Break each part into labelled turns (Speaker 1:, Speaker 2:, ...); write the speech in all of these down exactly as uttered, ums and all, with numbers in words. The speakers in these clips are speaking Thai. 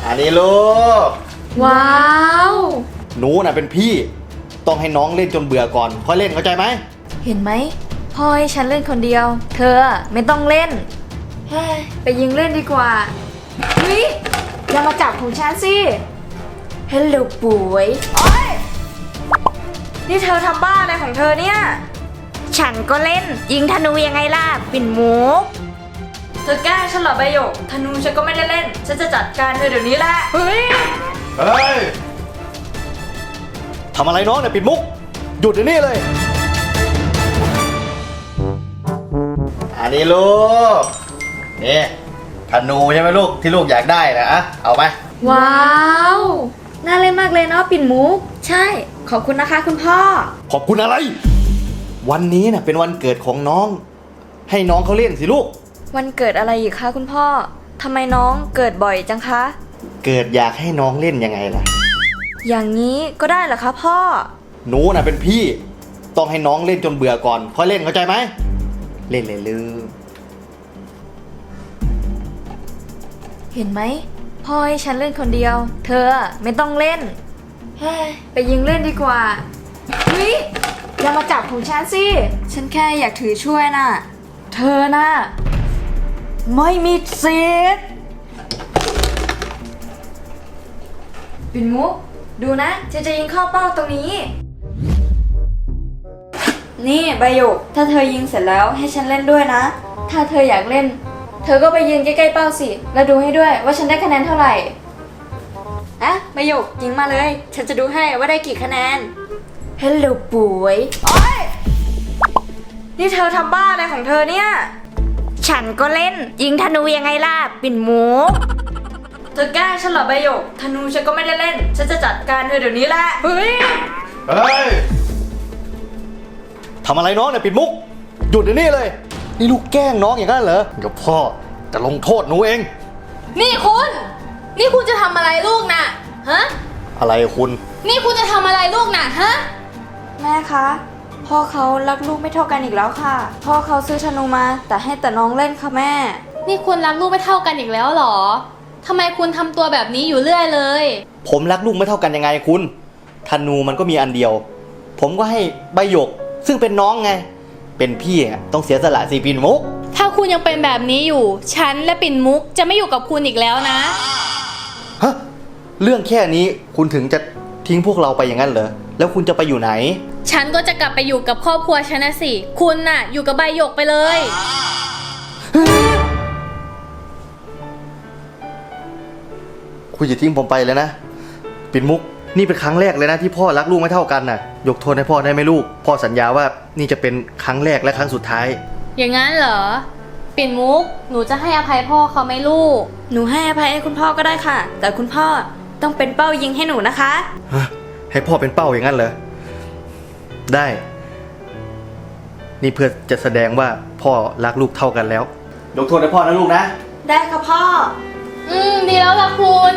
Speaker 1: อันนี้ลูก
Speaker 2: ว้าว
Speaker 1: หนูน่ะเป็นพี่ต้องให้น้องเล่นจนเบื่อก่อนค่อยเล่นเข้าใจไหม
Speaker 2: เห็นไหมพ่อให้ฉันเล่นคนเดียว เธอไม่ต้องเล่นเฮ้ยไปยิงเล่นดีกว่าเฮ้ยอย่ามาจับของฉันสิฮัลโหลป่วยโอ๊ยนี่เธอทำบ้าอะไรของเธอเนี่ยฉันก็เล่นยิงธนูยังไงล่ะปิ่นมุกเธอแกล้งฉันเหรอใบหยกธนูฉันก็ไม่ได้เล่นฉันจะจัดการเธอเดี๋ยวนี้แหละเฮ้ย
Speaker 1: เฮ้ยทำอะไรน้องเนี่ยปิดมุกหยุดเดี๋ยวนี้เลยอันนี้ลูกนี่ธนูใช่ไหมลูกที่ลูกอยากได้นะอะเอาไป
Speaker 2: ว้าวน่าเล่นมากเลยเนาะปิ่นมุกใช่ขอบคุณนะคะคุณพ่อ
Speaker 1: ขอบคุณอะไรวันนี้น่ะเป็นวันเกิดของน้องให้น้องเขาเล่นสิลูก
Speaker 2: วันเกิดอะไรอีกคะคุณพ่อทำไมน้องเกิดบ่อยจังคะ
Speaker 1: เกิดอยากให้น้องเล่นยังไงล่ะ
Speaker 2: อย่างนี้ก็ได้เหรอคะพ่อ
Speaker 1: หนูน่ะเป็นพี่ต้องให้น้องเล่นจนเบื่อก่อนค่อยเล่นเข้าใจไหมเล่นเลยลืม
Speaker 2: เห็นไหมพ่อให้ฉันเล่นคนเดียว เธอไม่ต้องเล่นเฮ้ยไปยิงเล่นดีกว่าเฮ้ยอย่ามาจับของฉันสิฉันแค่อยากถือช่วยน่ะเธอน่ะไม่มีสิทธิ์ปิ่นมุกดูนะฉันจะยิงเข้าเป้าตรงนี้นี่ใบหยกถ้าเธอยิงเสร็จแล้วให้ฉันเล่นด้วยนะถ้าเธออยากเล่นเธอก็ไปยืนใกล้ๆเป้าสิแล้วดูให้ด้วยว่าฉันได้คะแนนเท่าไหร่อะใบหยกยิงมาเลยฉันจะดูให้ว่าได้กี่คะแนนฮัลโหลป่วยโอ๊ยนี่เธอทำบ้าอะไรของเธอเนี่ยฉันก็เล่นยิงธนูยังไงล่ะปิ่นมุกเธอแกล้งฉันเหรอใบหยกธนูฉันก็ไม่ได้เล่นฉันจะจัดการเธอเดี๋ยวนี้แหละเฮ้ย
Speaker 1: เฮ้ยทำอะไรน้องเนี่ยปิดมุกหยุดเดี๋ยวนี้เลยนี่ลูกแกล้งน้องอย่างนั้นเหรอเดี๋ยวพ่อจะลงโทษหนูเอง
Speaker 3: นี่คุณนี่คุณจะทำอะไรลูกน่ะฮะ
Speaker 1: อะไรคุณ
Speaker 3: นี่คุณจะทำอะไรลูกน่ะฮะ
Speaker 2: แม่คะพ่อเขารักลูกไม่เท่ากันอีกแล้วค่ะพ่อเขาซื้อธนูมาแต่ให้แต่น้องเล่นค่ะแม่
Speaker 3: นี่คุณรักลูกไม่เท่ากันอีกแล้วหรอทำไมคุณทำตัวแบบนี้อยู่เรื่อยเลย
Speaker 1: ผมรักลูกไม่เท่ากันยังไงคุณธนูมันก็มีอันเดียวผมก็ให้ใบหยกซึ่งเป็นน้องไงเป็นพี่ต้องเสียสละสิปิ่นมุก
Speaker 3: ถ้าคุณยังเป็นแบบนี้อยู่ฉันและปิ่นมุกจะไม่อยู่กับคุณอีกแล้วนะ
Speaker 1: ฮะเรื่องแค่นี้คุณถึงจะทิ้งพวกเราไปอย่างนั้นเหรอแล้วคุณจะไปอยู่ไหน
Speaker 3: ฉันก็จะกลับไปอยู่กับครอบครัวฉันนะสิคุณน่ะอยู่กับใบหยกไปเลย
Speaker 1: คุณอย่าทิ้งผมไปเลยนะปิ่นมุกนี่เป็นครั้งแรกเลยนะที่พ่อรักลูกไม่เท่ากันน่ะยกโทษให้พ่อได้ไหมลูกพ่อสัญญาว่านี่จะเป็นครั้งแรกและครั้งสุดท้าย
Speaker 3: อย่างนั้นเหรอปิ่นมุกหนูจะให้อภัยพ่อเขาไหมลูก
Speaker 2: หนูให้อภัยให้คุณพ่อก็ได้ค่ะแต่คุณพ่อต้องเป็นเป้ายิงให้หนูนะคะ
Speaker 1: ให้พ่อเป็นเป้าอย่างนั้นเหรอได้นี่เพื่อจะแสดงว่าพ่อรักลูกเท่ากันแล้วยกโทษให้พ่อนะลูกนะ
Speaker 2: ได้ค่ะพ่อ
Speaker 3: อืมดีแล้วล่ะคุณ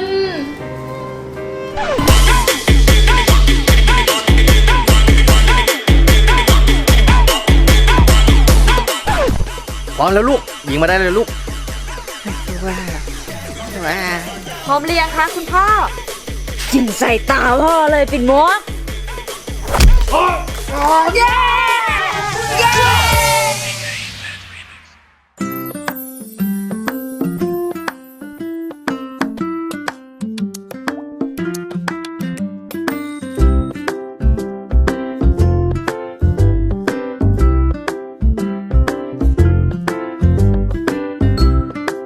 Speaker 1: พร้อมแล้วลูกยิงมาได้เลยลูกว้า
Speaker 2: ว้าพร้อมหรือยังคะคุณพ่อยิงใส่ตาพ่อเลยปิ่นมุกเย้